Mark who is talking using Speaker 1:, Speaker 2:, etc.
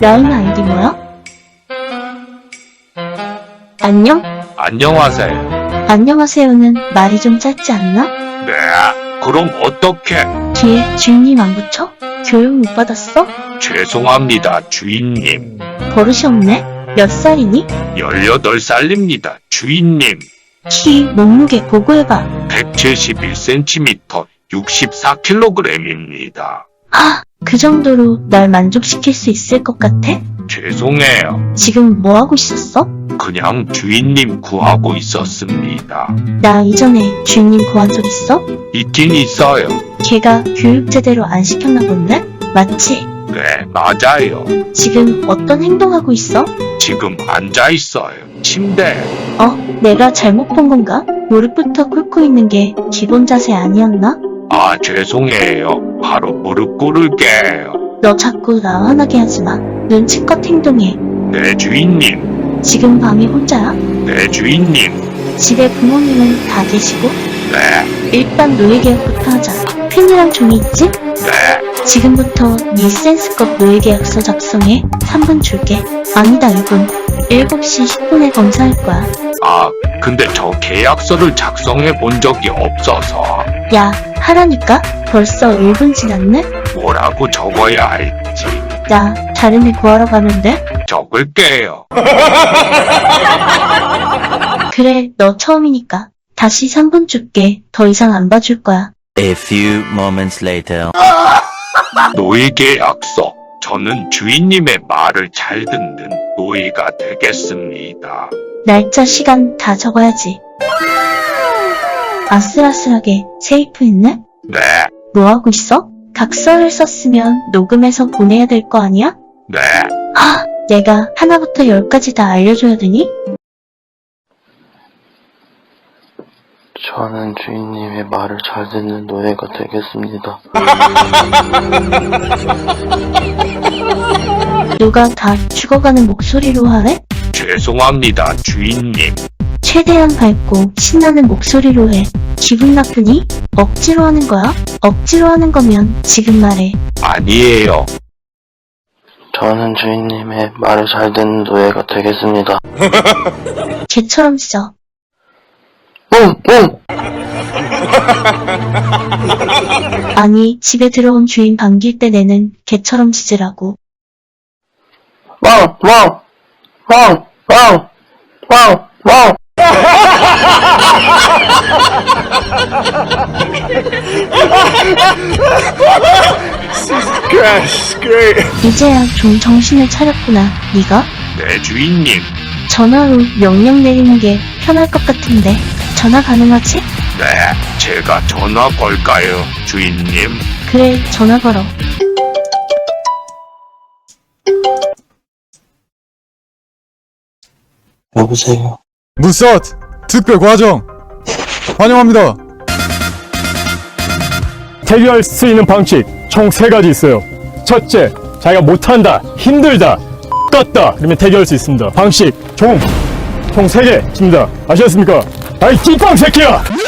Speaker 1: 라임 아이디 뭐야? 안녕?
Speaker 2: 안녕하세요.
Speaker 1: 안녕하세요는 말이 좀 짧지 않나?
Speaker 2: 네, 그럼 어떻게?
Speaker 1: 뒤에 주인님 안 붙여? 교육 못 받았어?
Speaker 2: 죄송합니다, 주인님.
Speaker 1: 버릇이 없네? 몇 살이니?
Speaker 2: 18살입니다, 주인님.
Speaker 1: 키, 몸무게 보고해봐.
Speaker 2: 171cm, 64kg입니다.
Speaker 1: 아, 그 정도로 날 만족시킬 수 있을 것 같아?
Speaker 2: 죄송해요.
Speaker 1: 지금 뭐 하고 있었어?
Speaker 2: 그냥 주인님 구하고 있었습니다.
Speaker 1: 나 이전에 주인님 구한 적 있어?
Speaker 2: 있긴 있어요.
Speaker 1: 걔가 교육 제대로 안 시켰나 본데? 맞지?
Speaker 2: 네, 맞아요.
Speaker 1: 지금 어떤 행동하고 있어?
Speaker 2: 지금 앉아있어요. 침대에.
Speaker 1: 내가 잘못 본 건가? 무릎부터 꿇고 있는 게 기본 자세 아니었나?
Speaker 2: 아, 죄송해요. 바로 무릎 꿇을게요.
Speaker 1: 너 자꾸 나 화나게 하지 마. 눈치껏 행동해.
Speaker 2: 네, 주인님.
Speaker 1: 지금 방에 혼자야?
Speaker 2: 네, 주인님.
Speaker 1: 집에 부모님은 다 계시고?
Speaker 2: 네,
Speaker 1: 일단 노예계약부터 하자. 펜이랑 종이 있지?
Speaker 2: 네.
Speaker 1: 지금부터 네 센스껏 노예계약서 작성해. 3분 줄게. 아니다 2분. 7시 10분에 검사할 거야.
Speaker 2: 아, 근데 저 계약서를 작성해 본 적이 없어서
Speaker 1: 야, 하라니까? 벌써 1분 지났네?
Speaker 2: 뭐라고 적어야 할지
Speaker 1: 야, 다른 애 구하러 가면 돼?
Speaker 2: 적을게요.
Speaker 1: 그래, 너 처음이니까. 다시 3분 줄게. 더 이상 안 봐줄 거야.
Speaker 3: A few moments later.
Speaker 2: 노예 계약서. 저는 주인님의 말을 잘 듣는 노예가 되겠습니다.
Speaker 1: 날짜, 시간 다 적어야지. 아슬아슬하게 세이프했네?
Speaker 2: 네,
Speaker 1: 뭐하고 있어? 각서를 썼으면 녹음해서 보내야 될 거 아니야?
Speaker 2: 네.
Speaker 1: 내가 하나부터 10까지 다 알려줘야 되니?
Speaker 4: 저는 주인님의 말을 잘 듣는 노예가 되겠습니다.
Speaker 1: 누가 다 죽어가는 목소리로 하래?
Speaker 2: 죄송합니다, 주인님.
Speaker 1: 최대한 밝고 신나는 목소리로 해. 기분 나쁘니? 억지로 하는 거야? 억지로 하는 거면 지금 말해.
Speaker 2: 아니에요.
Speaker 4: 저는 주인님의 말을 잘 듣는 노예가 되겠습니다.
Speaker 1: 개처럼 짖어.
Speaker 4: 뿡! 뿡!
Speaker 1: 아니, 집에 들어온 주인 반길 때 내는 개처럼 짖으라고.
Speaker 4: 왕! 왕! 왕! 왕! 왕! 왕!
Speaker 1: 이제야 좀 정신을 차렸구나, 네가?
Speaker 2: 네, 주인님.
Speaker 1: 전화로 명령 내리는 게 편할 것 같은데 전화 가능하지?
Speaker 2: 네, 제가 전화 걸까요, 주인님?
Speaker 1: 그래, 전화 걸어.
Speaker 4: 여보세요.
Speaker 5: 무사트 특별 과정 환영합니다.
Speaker 6: 대결할 수 있는 방식 총 3가지 있어요. 첫째, 자기가 못한다, 힘들다, 떴다 그러면 대결할 수 있습니다. 방식 총 3개 있습니다. 아시겠습니까? 아이 띠빵 새끼야!